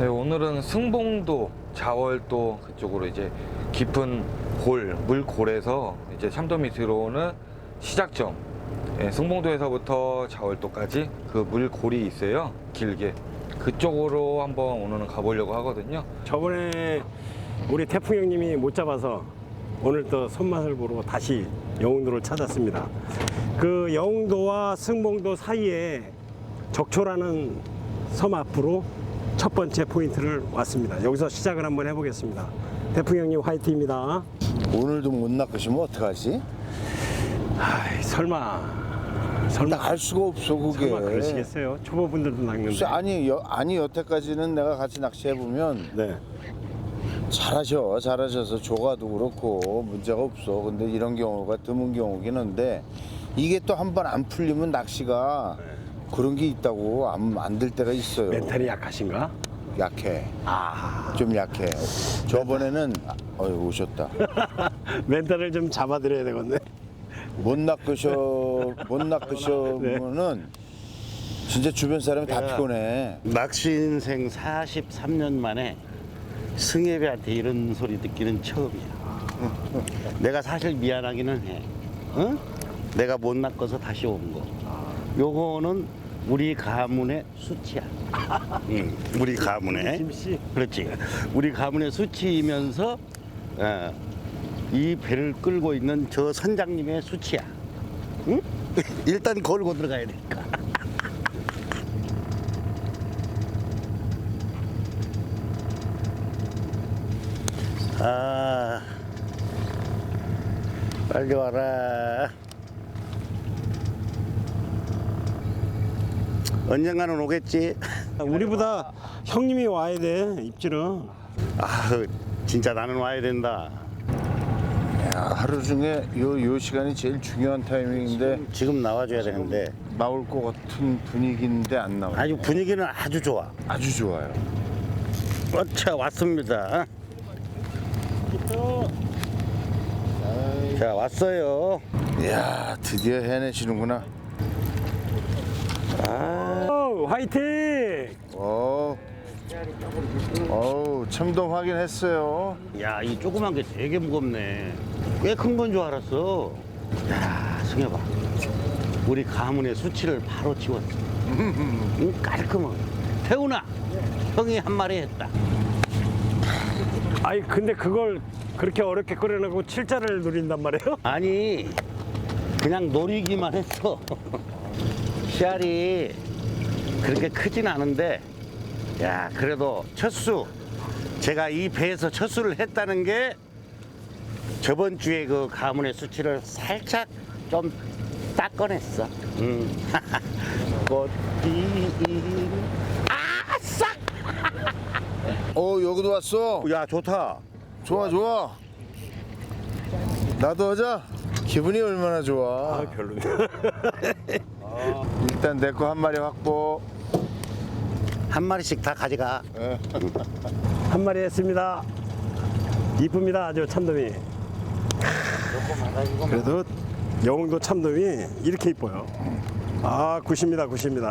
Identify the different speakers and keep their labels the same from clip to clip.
Speaker 1: 네, 오늘은 승봉도, 자월도 그쪽으로 이제 깊은 골, 물골에서 이제 참돔이 들어오는 시작점, 승봉도에서부터 자월도까지 그 물골이 있어요. 길게. 그쪽으로 한번 오늘은 가보려고 하거든요.
Speaker 2: 저번에 우리 태풍 형님이 못 잡아서 오늘 또 손맛을 보러 다시 영흥도를 찾았습니다. 그 영흥도와 승봉도 사이에 적초라는 섬 앞으로 첫 번째 포인트를 왔습니다. 여기서 시작을 한번 해보겠습니다. 태풍 형님 화이팅입니다.
Speaker 3: 오늘도 못 낚으시면 어떡하지?
Speaker 2: 아이, 설마
Speaker 3: 알 수가 없어 그게.
Speaker 2: 설마 그러시겠어요? 초보분들도 낚는데.
Speaker 3: 아니 여태까지는 내가 같이 낚시해 보면
Speaker 2: 네.
Speaker 3: 잘하셔서 조가도 그렇고 문제가 없어. 근데 이런 경우가 드문 경우긴 한데 이게 또 한 번 안 풀리면 낚시가 그런 게 있다고 안 될 때가 있어요.
Speaker 2: 멘탈이 약하신가?
Speaker 3: 약해.
Speaker 2: 아,
Speaker 3: 좀 약해. 저번에는 오셨다.
Speaker 2: 멘탈을 좀 잡아드려야 되겠네.
Speaker 3: 못 낚으셔면은 진짜 주변 사람이 다 피곤해.
Speaker 4: 낚시 인생 43년 만에 승예배한테 이런 소리 듣기는 처음이야. 내가 사실 미안하기는 해. 어? 내가 못 낚아서 다시 온 거. 요거는 우리 가문의 수치야. 응, 우리 가문의.
Speaker 2: 김씨.
Speaker 4: 그렇지. 우리 가문의 수치이면서 이 배를 끌고 있는 저 선장님의 수치야. 응? 일단 걸고 들어가야 되니까. 아, 빨리 와라. 언젠가는 오겠지.
Speaker 2: 우리보다 형님이 와야 돼, 입질은.
Speaker 4: 아, 진짜 나는 와야 된다.
Speaker 3: 야, 하루 중에 요 시간이 제일 중요한 타이밍인데
Speaker 4: 지금 나와줘야 되는데
Speaker 3: 나올 것 같은 분위기인데 안 나와요.
Speaker 4: 아주 분위기는 아주 좋아.
Speaker 3: 아주 좋아요.
Speaker 4: 자, 왔습니다. 자, 왔어요.
Speaker 3: 이야, 드디어 해내시는구나.
Speaker 2: 오, 화이팅!
Speaker 3: 참돔 확인했어요.
Speaker 4: 야, 이 조그만 게 되게 무겁네. 꽤 큰 건 줄 알았어. 야, 승엽아. 우리 가문의 수치를 바로 지웠어. 깔끔하게. 태훈아, 형이 한 마리 했다.
Speaker 2: 아니, 근데 그걸 그렇게 어렵게 끓여놓고 7자를 누린단 말이에요?
Speaker 4: 아니, 그냥 노리기만 했어. 씨알이 그렇게 크진 않은데, 야, 그래도 첫 수. 제가 이 배에서 첫 수를 했다는 게 저번 주에 그 가문의 수치를 살짝 좀 닦아냈어. 꽃이 아싸!
Speaker 3: 여기도 왔어.
Speaker 4: 야, 좋다.
Speaker 3: 좋아. 나도 하자. 기분이 얼마나 좋아.
Speaker 2: 아, 별로네.
Speaker 3: 일단 내 거 한 마리 확보.
Speaker 4: 한 마리씩 다 가져가.
Speaker 2: 한 마리 했습니다. 이쁩니다, 아주 참돔이. 그래도 영흥도 참돔이 이렇게 이뻐요. 아, 굿입니다.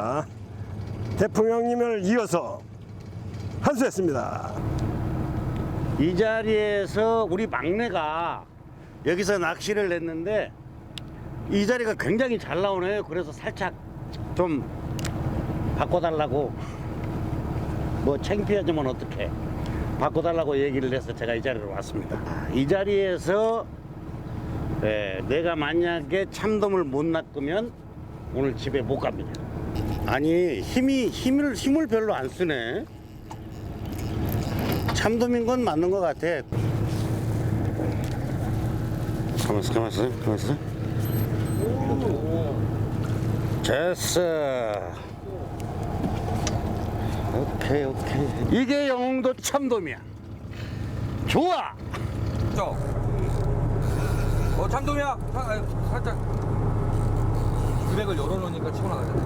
Speaker 2: 태풍 형님을 이어서 한 수 했습니다.
Speaker 4: 이 자리에서 우리 막내가 여기서 낚시를 했는데 이 자리가 굉장히 잘 나오네요. 그래서 살짝 좀 바꿔달라고, 뭐 창피하지만 어떡해, 바꿔달라고 얘기를 해서 제가 이 자리로 왔습니다. 이 자리에서 내가 만약에 참돔을 못 낚으면 오늘 집에 못 갑니다. 아니, 힘을 별로 안 쓰네. 참돔인 건 맞는 것 같아. 가만있어. 됐어. 오케이. 이게 영흥도 참돔이야. 좋아.
Speaker 1: 참돔이야. 살짝 드랙을 열어놓으니까 치고 나가잖아.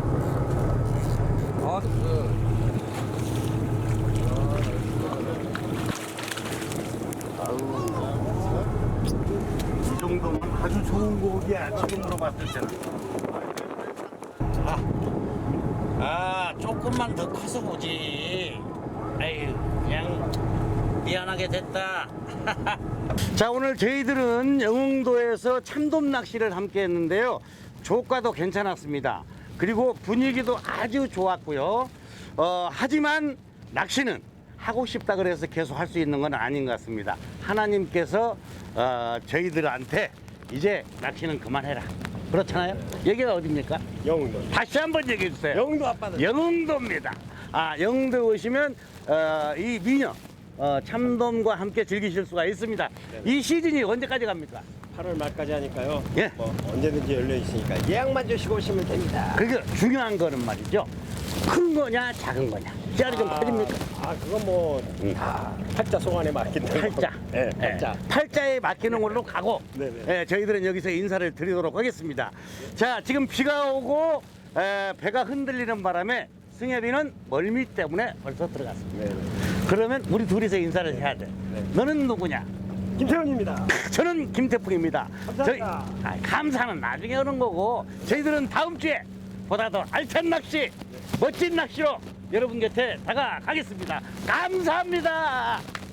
Speaker 4: 이 정도면 아주 좋은 고기야. 지금 물어봤을 때는. 조금만 더 커서 보지. 에휴, 그냥 미안하게 됐다. 자, 오늘 저희들은 영흥도에서 참돔 낚시를 함께 했는데요. 조과도 괜찮았습니다. 그리고 분위기도 아주 좋았고요. 하지만 낚시는 하고 싶다 그래서 계속 할 수 있는 건 아닌 것 같습니다. 하나님께서 저희들한테 이제 낚시는 그만해라. 그렇잖아요? 여기가 어디입니까?
Speaker 2: 영흥도.
Speaker 4: 다시 한번 얘기해 주세요.
Speaker 2: 영흥도 앞바다.
Speaker 4: 영흥도입니다. 영흥도 오시면 이 미녀 참돔과 함께 즐기실 수가 있습니다. 이 시즌이 언제까지 갑니까?
Speaker 2: 8월 말까지 하니까요.
Speaker 4: 예.
Speaker 2: 뭐 언제든지 열려 있으니까 예약만 주시고 오시면 됩니다.
Speaker 4: 그게 중요한 거는 말이죠. 큰 거냐 작은 거냐. 씨알이 좀 커집니까?
Speaker 2: 그건 뭐 다 팔자 송안에 맡긴다.
Speaker 4: 팔자.
Speaker 2: 네, 팔자.
Speaker 4: 팔자에 맡기는 걸로 가고
Speaker 2: 네네.
Speaker 4: 저희들은 여기서 인사를 드리도록 하겠습니다. 자, 지금 비가 오고 배가 흔들리는 바람에 승엽이는 멀미 때문에 벌써 들어갔습니다.
Speaker 2: 네.
Speaker 4: 그러면 우리 둘이서 인사를 해야 돼. 너는 누구냐?
Speaker 2: 김태훈입니다.
Speaker 4: 저는 김태풍입니다.
Speaker 2: 감사합니다.
Speaker 4: 감사는 나중에 오는 거고 저희들은 다음 주에 보다 더 알찬 낚시, 멋진 낚시로 여러분 곁에 다가가겠습니다. 감사합니다.